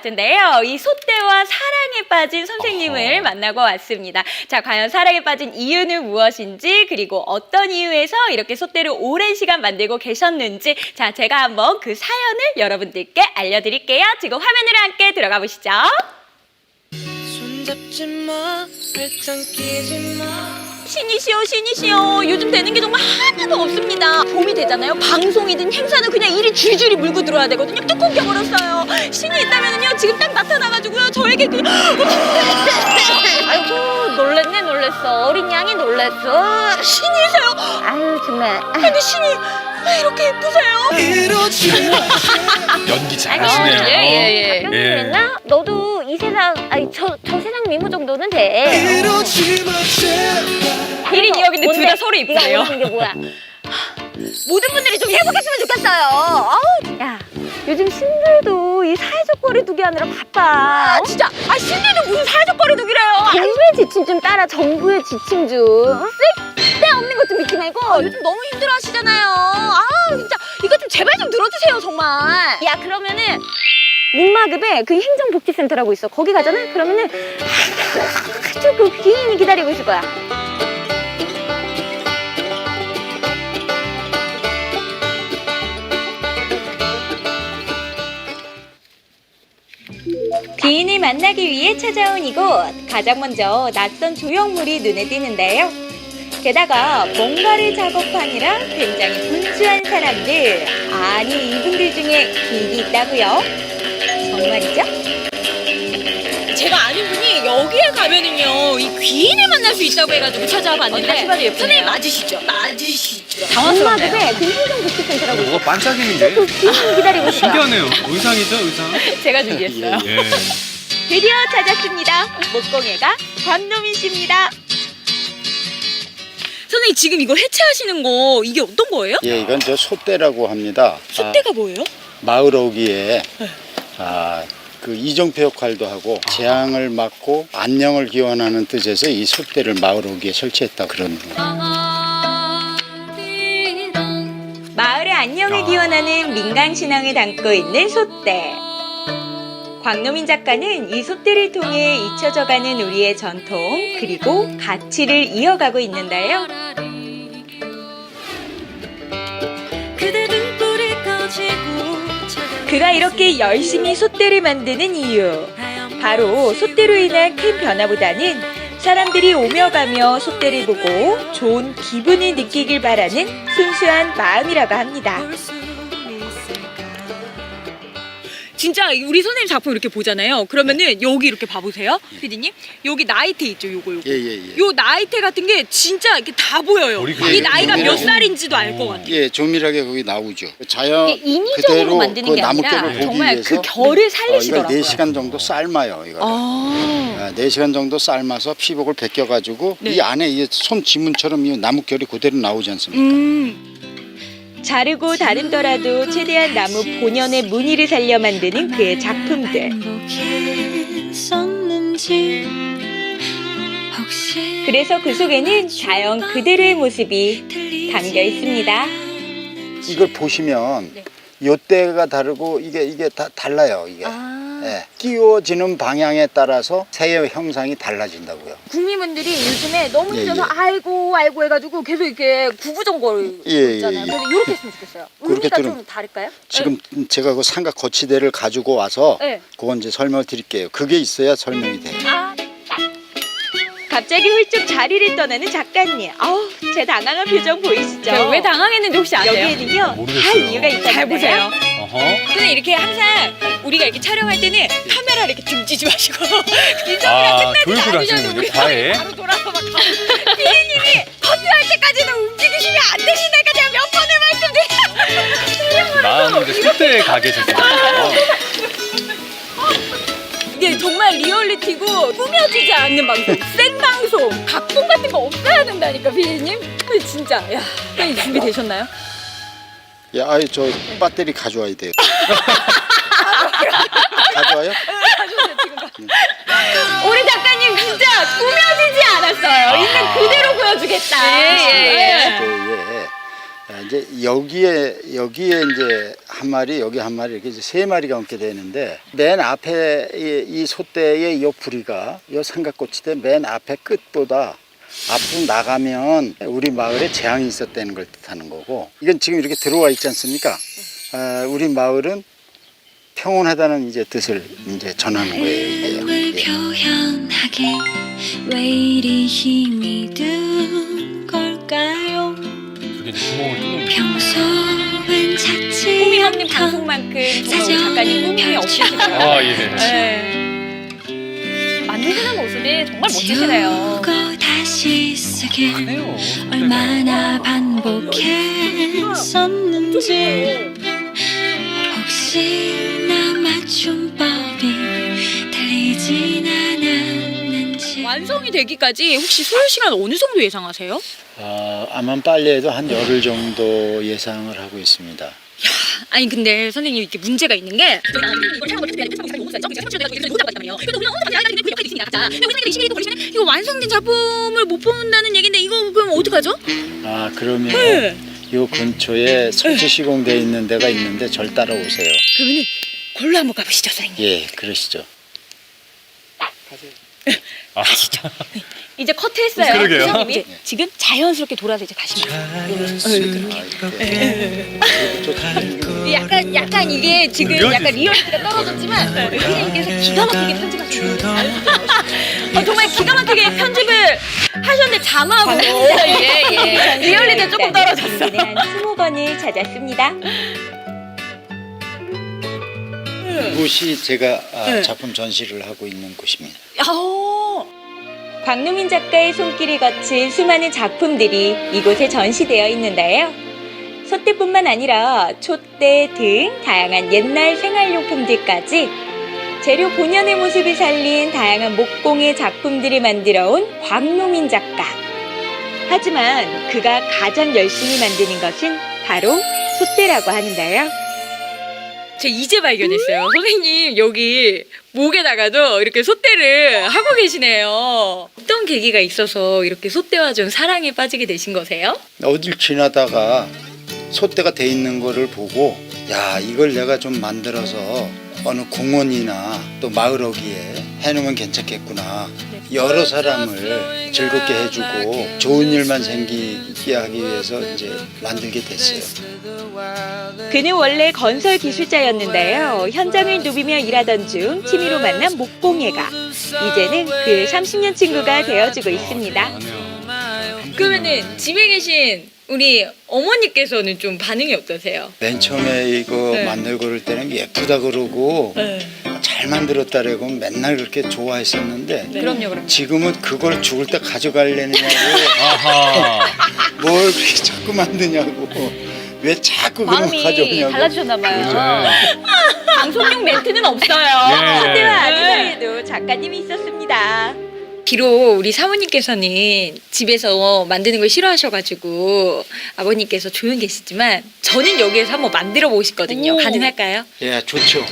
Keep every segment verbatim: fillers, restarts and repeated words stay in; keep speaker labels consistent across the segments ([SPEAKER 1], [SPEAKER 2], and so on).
[SPEAKER 1] 같은데요. 이 소떼와 사랑에 빠진 선생님을
[SPEAKER 2] 어허.
[SPEAKER 1] 만나고 왔습니다. 자, 과연 사랑에 빠진 이유는 무엇인지, 그리고 어떤 이유에서 이렇게 소떼를 오랜 시간 만들고 계셨는지, 자, 제가 한번 그 사연을 여러분들께 알려드릴게요. 지금 화면으로 함께 들어가 보시죠.
[SPEAKER 3] 손잡지 마, 발짱 끼지 마.
[SPEAKER 1] 신이시여 신이시여, 요즘 되는 게 정말 하나도 없습니다. 봄이 되잖아요. 방송이든 행사는 그냥 일이 줄줄이 물고 들어와야 되거든요. 뚝 끊겨버렸어요. 신이 있다면은요, 지금 딱 나타나가지고요, 저에게 그
[SPEAKER 4] 아이고 놀랬네 놀랬어. 어린 양이 놀랬어.
[SPEAKER 1] 신이세요.
[SPEAKER 4] 아유 정말.
[SPEAKER 1] 근데 신이 왜 이렇게 예쁘세요?
[SPEAKER 3] 이러지 마.
[SPEAKER 2] 연기 잘하시네요.
[SPEAKER 4] 예예예.
[SPEAKER 2] 예.
[SPEAKER 4] 그랬나? 너도 이 세상 아니 저 저 세상 미모 정도는 돼.
[SPEAKER 3] 이러지 마 제발.
[SPEAKER 1] 일 인 이 역인데 둘 다 서로
[SPEAKER 4] 네가
[SPEAKER 1] 이쁘네요.
[SPEAKER 4] 원하는 게 뭐야? 모든 분들이 좀 행복했으면 좋겠어요. 아우, 야, 요즘 신들도 이 사회적 거리두기 하느라 바빠.
[SPEAKER 1] 아, 진짜. 아, 신들도 무슨 사회적 거리두기래요.
[SPEAKER 4] 정부의 지침 좀 따라. 정부의 지침 좀. 쓸데없는 것 좀 믿지 말고.
[SPEAKER 1] 요즘 너무 힘들어하시잖아요. 아, 진짜 이거 좀 제발 좀 들어주세요, 정말.
[SPEAKER 4] 야, 그러면은 문마급에 그 행정복지센터라고 있어. 거기 가잖아. 그러면은 아주 그 귀인이 기다리고 있을 거야.
[SPEAKER 1] 귀인을 만나기 위해 찾아온 이곳. 가장 먼저 낯선 조형물이 눈에 띄는데요. 게다가 뭔가를 작업하느라 굉장히 분주한 사람들. 아니, 이분들 중에 귀인이 있다고요? 정말이죠? 제가 아는 분이 여기에 가면은요, 이 귀인을 만날 수 있다고 해가지고 찾아와 봤는데,
[SPEAKER 4] 다시 봐도 예쁘네요.
[SPEAKER 1] 선생님 맞으시죠? 맞으시죠?
[SPEAKER 4] 문마급에 그 행정복지센터라고 있어.
[SPEAKER 2] 뭐가 반짝이는데?
[SPEAKER 4] 그 귀인이 기다리고 있을 거야.
[SPEAKER 2] 신기하네요. 의상이죠, 의상?
[SPEAKER 1] 제가 준비했어요.
[SPEAKER 2] 예.
[SPEAKER 1] 드디어 찾았습니다. 목공예가 광노민 씨입니다. 선생님, 지금 이거 해체하시는 거 이게 어떤 거예요?
[SPEAKER 5] 예, 이건 저 소떼라고 합니다.
[SPEAKER 1] 소떼가 뭐예요?
[SPEAKER 5] 아, 마을 오기에 아, 그 이정표 역할도 하고 재앙을 막고 안녕을 기원하는 뜻에서 이 소떼를 마을 오기에 설치했다 그런.
[SPEAKER 1] 마을의 안녕을
[SPEAKER 2] 아.
[SPEAKER 1] 기원하는 민간 신앙을 담고 있는 소떼. 광노민 작가는 이 소떼를 통해 잊혀져가는 우리의 전통 그리고 가치를 이어가고 있는데요.
[SPEAKER 3] 그대 등불이 꺼지고
[SPEAKER 1] 그가 이렇게 열심히 소떼를 만드는 이유, 바로 소떼로 인한 큰 변화보다는 사람들이 오며 가며 소떼를 보고 좋은 기분을 느끼길 바라는 순수한 마음이라고 합니다. 진짜 우리 선생님 작품 이렇게 보잖아요. 그러면은 여기 이렇게 봐보세요, 피디님. 여기 나이테 있죠, 요거 요거.
[SPEAKER 5] 예, 예, 예.
[SPEAKER 1] 요 나이테 같은 게 진짜 이렇게 다 보여요.
[SPEAKER 2] 머리
[SPEAKER 1] 이
[SPEAKER 2] 그게
[SPEAKER 1] 나이가 몇
[SPEAKER 5] 조밀하게-
[SPEAKER 1] 살인지도 알 것 같아요.
[SPEAKER 5] 예, 조밀하게 거기 나오죠. 자연
[SPEAKER 1] 이게 인위적으로
[SPEAKER 5] 그대로
[SPEAKER 1] 만드는
[SPEAKER 5] 그
[SPEAKER 1] 게 아니라
[SPEAKER 5] 나뭇결을 보기
[SPEAKER 1] 정말
[SPEAKER 5] 위해서
[SPEAKER 1] 그 결을
[SPEAKER 5] 어,
[SPEAKER 1] 살리시더라고요.
[SPEAKER 5] 이걸 네 시간 정도 삶아요, 이거.
[SPEAKER 1] 아.
[SPEAKER 5] 아, 네 시간 정도 삶아서 피복을 벗겨가지고
[SPEAKER 1] 네.
[SPEAKER 5] 이 안에 이 손 지문처럼 이 나뭇결이 그대로 나오지 않습니까?
[SPEAKER 1] 음. 자르고 다듬더라도 최대한 나무 본연의 무늬를 살려 만드는 그의 작품들.
[SPEAKER 3] 있었는지 혹시
[SPEAKER 1] 그래서 그 속에는 자연 그대로의 모습이 담겨 있습니다.
[SPEAKER 5] 이걸 보시면
[SPEAKER 1] 네.
[SPEAKER 5] 요때가 다르고 이게 이게 다 달라요, 이게.
[SPEAKER 1] 아.
[SPEAKER 5] 예, 끼워지는 방향에 따라서 새의 형상이 달라진다고요.
[SPEAKER 4] 국민분들이 요즘에 너무
[SPEAKER 5] 예,
[SPEAKER 4] 힘들어서
[SPEAKER 5] 예.
[SPEAKER 4] 아이고 아이고 해가지고 계속 이렇게 구부정거리고
[SPEAKER 5] 예, 예,
[SPEAKER 4] 있잖아요.
[SPEAKER 5] 예.
[SPEAKER 4] 그래서 이렇게 했으면 좋겠어요.
[SPEAKER 5] 그렇게
[SPEAKER 4] 의미가
[SPEAKER 5] 들으면-
[SPEAKER 4] 좀 다를까요?
[SPEAKER 5] 지금 제가 그 삼각 거치대를 가지고 와서
[SPEAKER 4] 네.
[SPEAKER 5] 그건 이제 설명을 드릴게요. 그게 있어야 설명이 돼요.
[SPEAKER 4] 아,
[SPEAKER 1] 갑자기 훌쩍 자리를 떠나는 작가님. 아우, 제 당황한 표정 보이시죠?
[SPEAKER 4] 제가 왜 당황했는지 혹시 아세요?
[SPEAKER 1] 여기에는요, 다
[SPEAKER 2] 모르겠어요.
[SPEAKER 1] 이유가 있다는데요.
[SPEAKER 4] 잘 보세요.
[SPEAKER 2] 어허.
[SPEAKER 1] 근데 이렇게 항상 우리가 이렇게 촬영할 때는 카메라 이렇게 등지지 마시고
[SPEAKER 2] 아, 교육을 하시는군요, 과외.
[SPEAKER 1] 바로 돌아서 막 피디님이 커트할 때까지는 움직이시면 안 되신다니까 제가 몇 번을 말씀드려요.
[SPEAKER 2] 나는 이제 소떼 가 계셨어요.
[SPEAKER 1] 이게 정말 리얼리티고 꾸며지지 않는 방송, 생방송, 각본 같은 거 없어야 된다니까 피디님. 근데 진짜 야, 선생님 준비되셨나요?
[SPEAKER 5] 야, 아이 저 배터리 가져와야 돼요. 가져와요?
[SPEAKER 1] 우리 작가님 진짜 꾸며지지 않았어요. 있는 그대로 보여주겠다. 예, 예, 예.
[SPEAKER 5] 그, 예. 아, 이제 여기에 여기에 이제 한 마리, 여기 한 마리 이렇게 이제 세 마리가 얹게 되는데 맨 앞에 이, 이 솥대의 이 부리가 이 삼각꼬치대 맨 앞에 끝보다 앞으로 나가면 우리 마을에 재앙이 있었다는 걸 뜻하는 거고 이건 지금 이렇게 들어와 있지 않습니까? 아, 우리 마을은 평온하다는 이제 뜻을 이제 전하는 거예요.
[SPEAKER 3] 걸
[SPEAKER 5] 예.
[SPEAKER 3] 표현하기 왜 이리 힘이 든 걸까요?
[SPEAKER 2] 저게 이제 구멍을 뚫는 거.
[SPEAKER 3] 평소엔 찾지
[SPEAKER 1] 꿈이 없는 방송만큼 정말 우리 작가님 꿈이 없으시네요.
[SPEAKER 2] 아, 예.
[SPEAKER 1] 네. 만드시는 모습이 정말 멋지시네요.
[SPEAKER 3] 지우고 다시 쓰길
[SPEAKER 2] 해요.
[SPEAKER 3] 얼마나 반복했었는지 혹시나 맞춤법이 틀리진 않았는지
[SPEAKER 4] 완성이 되기까지 혹시 소요 시간 어느 정도 예상하세요?
[SPEAKER 5] 아, 아마 빨리 해도 한 열흘 정도 예상을 하고 있습니다.
[SPEAKER 4] 아니 근데 선생님 이게 문제가 있는 게 이거 완성된 작품을 못 본다는 얘긴데 이거 그럼 어떡하죠?
[SPEAKER 5] 아, 그러면
[SPEAKER 4] 네.
[SPEAKER 5] 요 근처에 설치 시공돼 있는 데가 있는데 절 따라오세요.
[SPEAKER 4] 그러면은 걸로 한번 가보시죠 선생님.
[SPEAKER 5] 예, 그러시죠.
[SPEAKER 2] 아,
[SPEAKER 4] 이제 커트했어요.
[SPEAKER 2] 그러게요.
[SPEAKER 4] 선생님이 이제 지금 자연스럽게 돌아서 이제 가시면 돼요.
[SPEAKER 5] 아,
[SPEAKER 4] 약간 약간 이게 지금
[SPEAKER 2] 옮겨지죠.
[SPEAKER 4] 약간 리얼리티가 떨어졌지만 선생님께서 기가 막히게 편집하셨어요. 어, 정말 기가 막히게 편집을 하셨는데 자막으로 예, 예. 리얼리티가 조금 떨어졌어.
[SPEAKER 1] 한 스무 권을 찾았습니다.
[SPEAKER 5] 이곳이 제가 아,
[SPEAKER 4] 네.
[SPEAKER 5] 작품 전시를 하고 있는 곳입니다.
[SPEAKER 4] 어.
[SPEAKER 1] 광노민 작가의 손길이 거친 수많은 작품들이 이곳에 전시되어 있는데요. 솥대뿐만 아니라 촛대 등 다양한 옛날 생활용품들까지 재료 본연의 모습을 살린 다양한 목공의 작품들을 만들어 온 광노민 작가. 하지만 그가 가장 열심히 만드는 것은 바로 솥대라고 하는데요.
[SPEAKER 4] 제가 이제 발견했어요. 선생님 여기 목에다가도 이렇게 솥대를 하고 계시네요. 어떤 계기가 있어서 이렇게 솥대와 좀 사랑에 빠지게 되신 거세요?
[SPEAKER 5] 어딜 지나다가 솥대가 돼 있는 거를 보고 야, 이걸 내가 좀 만들어서 어느 공원이나 또 마을 어귀에 해놓으면 괜찮겠구나. 여러 사람을 즐겁게 해주고 좋은 일만 생기게 하기 위해서 이제 만들게 됐어요.
[SPEAKER 1] 그는 원래 건설 기술자였는데요. 현장을 누비며 일하던 중 취미로 만난 목공예가 이제는 그 삼십 년 친구가 되어주고 있습니다.
[SPEAKER 2] 아니요.
[SPEAKER 4] 그러면은 집에 계신 우리 어머니께서는 좀 반응이 어떠세요?
[SPEAKER 5] 맨 처음에 이거
[SPEAKER 4] 네.
[SPEAKER 5] 만들고 그럴 때는 예쁘다 그러고
[SPEAKER 4] 네.
[SPEAKER 5] 잘 만들었다 그러고 맨날 그렇게 좋아했었는데
[SPEAKER 4] 그럼요, 그럼요.
[SPEAKER 5] 지금은 그걸 죽을 때 가져갈래느냐고
[SPEAKER 2] 아하.
[SPEAKER 5] 뭘 그렇게 자꾸 만드냐고 왜 자꾸 그런 거
[SPEAKER 4] 마음이
[SPEAKER 5] 가져오냐고.
[SPEAKER 4] 달라지셨나봐요.
[SPEAKER 2] 그죠.
[SPEAKER 4] 방송용 멘트는 없어요.
[SPEAKER 2] 예.
[SPEAKER 1] 솥대와 아기
[SPEAKER 4] 네.
[SPEAKER 1] 사이에도 작가님이 있었습니다.
[SPEAKER 4] 비록 우리 사모님께서는 집에서 만드는 걸 싫어하셔가지고 아버님께서 조용히 계시지만 저는 여기에서 한번 만들어 보고 싶거든요.
[SPEAKER 1] 오.
[SPEAKER 4] 가능할까요?
[SPEAKER 5] 예, 좋죠.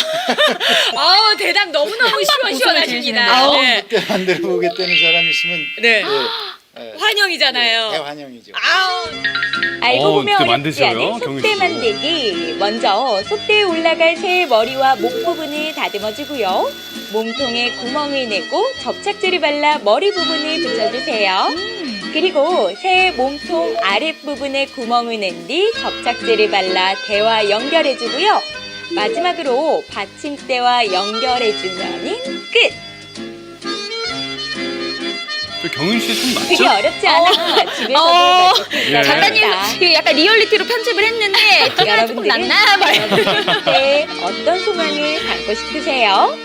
[SPEAKER 4] 아우 대답 너무너무 시원시원하십니다.
[SPEAKER 1] 아우.
[SPEAKER 4] 네.
[SPEAKER 5] 그때 만들어 보겠다는 사람 있으면
[SPEAKER 4] 네.
[SPEAKER 5] 예, 예,
[SPEAKER 4] 환영이잖아요.
[SPEAKER 5] 대환영이죠.
[SPEAKER 4] 아우.
[SPEAKER 1] 알고
[SPEAKER 2] 어,
[SPEAKER 1] 보면
[SPEAKER 2] 그때
[SPEAKER 1] 어렵지
[SPEAKER 2] 만드셔요,
[SPEAKER 1] 않은
[SPEAKER 2] 경윤
[SPEAKER 1] 솥대
[SPEAKER 2] 씨.
[SPEAKER 1] 만들기. 먼저 솥대에 올라갈 새의 머리와 목 부분을 다듬어주고요. 몸통에 구멍을 내고 접착제를 발라 머리 부분을 붙여주세요. 그리고 새의 몸통 아랫부분에 구멍을 낸 뒤 접착제를 발라 대와 연결해주고요. 마지막으로 받침대와 연결해주면 끝!
[SPEAKER 2] 저 경윤 씨 손
[SPEAKER 1] 그게
[SPEAKER 2] 맞죠?
[SPEAKER 1] 어렵지 않아. 집에서도
[SPEAKER 4] 어.
[SPEAKER 1] 만들 수
[SPEAKER 2] 예.
[SPEAKER 4] 작가님
[SPEAKER 1] 있습니다.
[SPEAKER 4] 이게 약간 리얼리티로 편집을 했는데 티가 조금
[SPEAKER 1] 여러분들은
[SPEAKER 4] 났나 봐요.
[SPEAKER 1] 네, 어떤 소망을 갖고 싶으세요?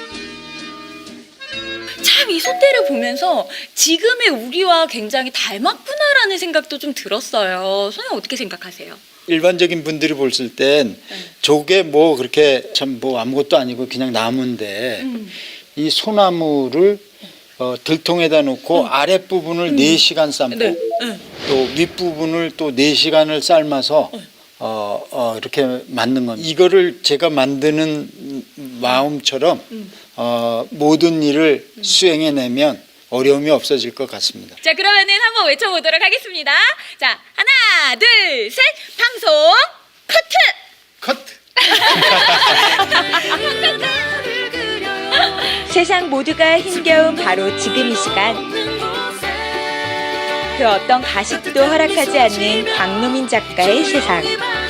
[SPEAKER 4] 참 이 솥대를 보면서 지금의 우리와 굉장히 닮았구나라는 생각도 좀 들었어요. 선생님 어떻게 생각하세요?
[SPEAKER 5] 일반적인 분들이 봤을 땐 저게 뭐 그렇게 참 뭐 아무것도 아니고 그냥 나무인데
[SPEAKER 4] 음.
[SPEAKER 5] 이 소나무를 어, 들통에다 놓고 아랫부분을 네 시간 삶고
[SPEAKER 4] 네. 네.
[SPEAKER 5] 또 윗부분을 또 네 시간을 삶아서 어, 어, 이렇게 만든 겁니다. 이거를 제가 만드는 마음처럼 어, 모든 일을 수행해내면 어려움이 없어질 것 같습니다.
[SPEAKER 4] 자 그러면은 한번 외쳐보도록 하겠습니다. 자 하나 둘 셋 방송 커트.
[SPEAKER 5] 커트!
[SPEAKER 1] 세상 모두가 힘겨운 바로 지금 이 시간. 그 어떤 가식도 허락하지 않는 광노민 작가의 세상.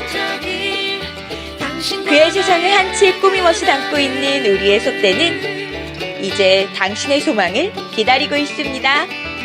[SPEAKER 1] 그의 세상을 한치의 꾸밈없이 담고 있는 우리의 소떼는 이제 당신의 소망을 기다리고 있습니다.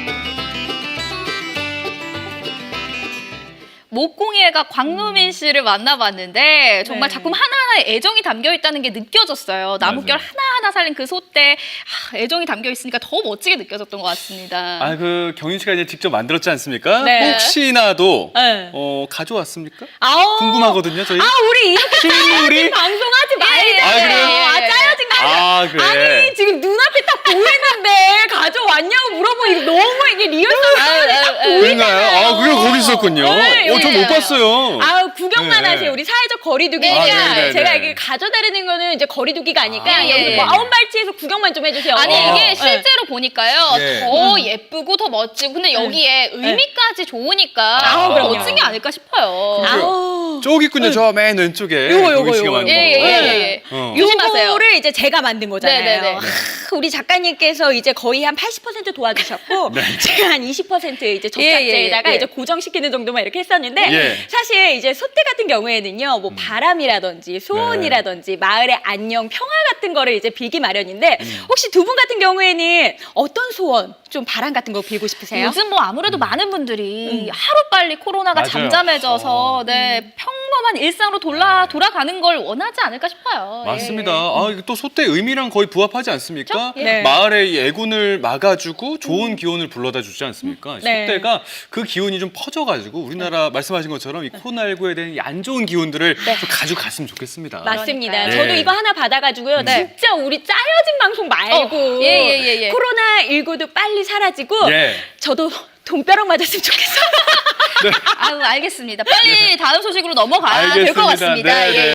[SPEAKER 6] 목공예가 광노민 씨를 만나봤는데 정말
[SPEAKER 4] 네.
[SPEAKER 6] 작품 하나하나에 애정이 담겨 있다는 게 느껴졌어요. 나뭇결
[SPEAKER 2] 맞아요.
[SPEAKER 6] 하나하나 살린 그 소떼 아, 애정이 담겨 있으니까 더 멋지게 느껴졌던 것 같습니다.
[SPEAKER 2] 아, 그 경윤 씨가 이제 직접 만들었지 않습니까?
[SPEAKER 4] 네.
[SPEAKER 2] 혹시나도
[SPEAKER 4] 네.
[SPEAKER 2] 어, 가져왔습니까?
[SPEAKER 4] 아우.
[SPEAKER 2] 궁금하거든요, 저희.
[SPEAKER 4] 아, 우리 이렇게
[SPEAKER 2] 실물이?
[SPEAKER 4] 방송하지 말자.
[SPEAKER 2] 아, 그래요?
[SPEAKER 4] 아, 짜여진 거 아니야?
[SPEAKER 2] 아, 그래.
[SPEAKER 4] 아니, 지금 눈앞에 딱 보이는데 가져왔냐고 물어보니 너무 이게 리얼성이
[SPEAKER 6] 아유,
[SPEAKER 4] 딱
[SPEAKER 6] 아유, 아유.
[SPEAKER 2] 그런가요? 아, 그래 거기 있었군요.
[SPEAKER 4] 네,
[SPEAKER 2] 어, 저 못
[SPEAKER 6] 여기에요.
[SPEAKER 2] 봤어요.
[SPEAKER 4] 아 구경만
[SPEAKER 2] 네.
[SPEAKER 4] 하세요. 우리 사회적 거리두기니까
[SPEAKER 2] 네, 네, 네,
[SPEAKER 4] 제가
[SPEAKER 2] 네.
[SPEAKER 4] 이게 가져다니는 거는 이제 거리두기가 아니까
[SPEAKER 6] 아,
[SPEAKER 4] 여기
[SPEAKER 6] 예.
[SPEAKER 4] 뭐 아웃발치에서 구경만 좀 해주세요.
[SPEAKER 6] 아니
[SPEAKER 2] 어.
[SPEAKER 6] 이게
[SPEAKER 4] 네.
[SPEAKER 6] 실제로 보니까요
[SPEAKER 2] 예.
[SPEAKER 6] 더 예쁘고 더 멋지고 근데 여기에 의미까지 좋으니까
[SPEAKER 2] 아,
[SPEAKER 6] 더
[SPEAKER 2] 그럼요.
[SPEAKER 6] 멋진 게 아닐까 싶어요.
[SPEAKER 4] 아우.
[SPEAKER 2] 저기 있군요. 저 맨 왼쪽에.
[SPEAKER 4] 요거, 요거,
[SPEAKER 2] 경윤 씨가
[SPEAKER 4] 요거.
[SPEAKER 2] 만든
[SPEAKER 6] 예,
[SPEAKER 2] 거.
[SPEAKER 6] 예, 예, 예.
[SPEAKER 2] 어.
[SPEAKER 6] 조심하세요.
[SPEAKER 4] 요거를 이제 제가 만든 거잖아요.
[SPEAKER 6] 네네네.
[SPEAKER 4] 하, 우리 작가님께서 이제 거의 한 팔십 퍼센트 도와주셨고 제가 한 이십 퍼센트 이제
[SPEAKER 6] 예, 예,
[SPEAKER 4] 접착제에다가
[SPEAKER 6] 예.
[SPEAKER 4] 이제 고정시키는 정도만 이렇게 했었는데
[SPEAKER 2] 예.
[SPEAKER 4] 사실 이제 소떼 같은 경우에는요 뭐 바람이라든지 소원이라든지 마을의 안녕 평화 같은 거를 이제 빌기 마련인데 혹시 두 분 같은 경우에는 어떤 소원 좀 바람 같은 거 빌고 싶으세요?
[SPEAKER 6] 요즘 뭐 아무래도 많은 분들이 하루 빨리 코로나가
[SPEAKER 2] 맞아요.
[SPEAKER 6] 잠잠해져서 네 평범한 일상으로 돌아 돌아가는 걸 원하지 않을까 싶어요. 예.
[SPEAKER 2] 맞습니다. 아, 이게 또 소떼 의미랑 거의 부합하지 않습니까?
[SPEAKER 4] 그쵸? 예.
[SPEAKER 2] 마을의 이 애군을 막아주고 좋은 기운을 불러다 주지 않습니까?
[SPEAKER 4] 네.
[SPEAKER 2] 소떼가 그 기운이 좀 퍼져가지고 우리나라 말씀하신 것처럼 이 코로나십구에 대한 이 안 좋은 기운들을 좀 가져갔으면 좋겠습니다.
[SPEAKER 4] 맞습니다.
[SPEAKER 6] 그러니까요.
[SPEAKER 4] 저도
[SPEAKER 2] 예.
[SPEAKER 4] 이거 하나 받아가지고요.
[SPEAKER 6] 네.
[SPEAKER 4] 진짜 우리 짜여진 방송 말고
[SPEAKER 6] 어, 예, 예, 예, 예.
[SPEAKER 4] 코로나십구도 빨리 사라지고
[SPEAKER 2] 예.
[SPEAKER 4] 저도 돈벼락 맞았으면 좋겠어요.
[SPEAKER 6] 아유 알겠습니다. 빨리 다음 소식으로 넘어가야 될 것
[SPEAKER 2] 알겠습니다.
[SPEAKER 6] 같습니다.
[SPEAKER 2] 네,
[SPEAKER 6] 예.
[SPEAKER 2] 네.